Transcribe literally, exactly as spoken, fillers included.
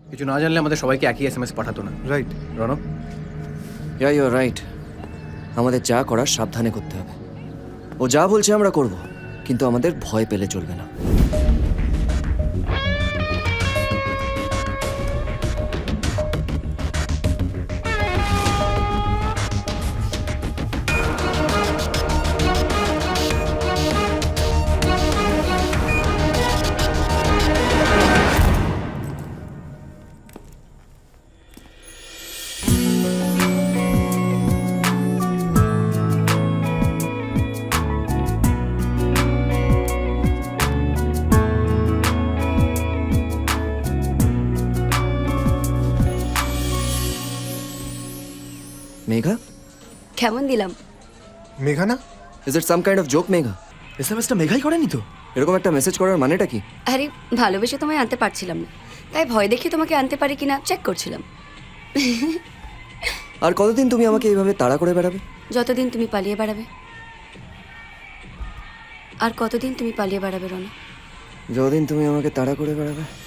কিছু না জানলে আমাদের সবাইকে একই এস এম এস পাঠাতো না, right Ranab? Yeah you right. আমাদের যা করার সাবধানে করতে হবে। ও যা বলছে আমরা করব, কিন্তু আমাদের ভয় পেলে চলবে না। মেঘা, কেমন দিলাম? মেঘা না? Is it some kind of joke Megha? S M এসটা মেঘাই করেনি তো? এরকম একটা মেসেজ করার মানেটা কি? আরে ভালোবেসে তোমায় আনতে পারছিলাম না, তাই ভয় দেখে তোমাকে আনতে পারি কিনা চেক করছিলাম। আর কতদিন তুমি আমাকে এইভাবে তাড়া করে বেড়াবে? যতদিন তুমি পালিয়ে বেড়াবে। আর কতদিন তুমি পালিয়ে বেড়াবে রনা? যতদিন তুমি আমাকে তাড়া করে বেড়াবে।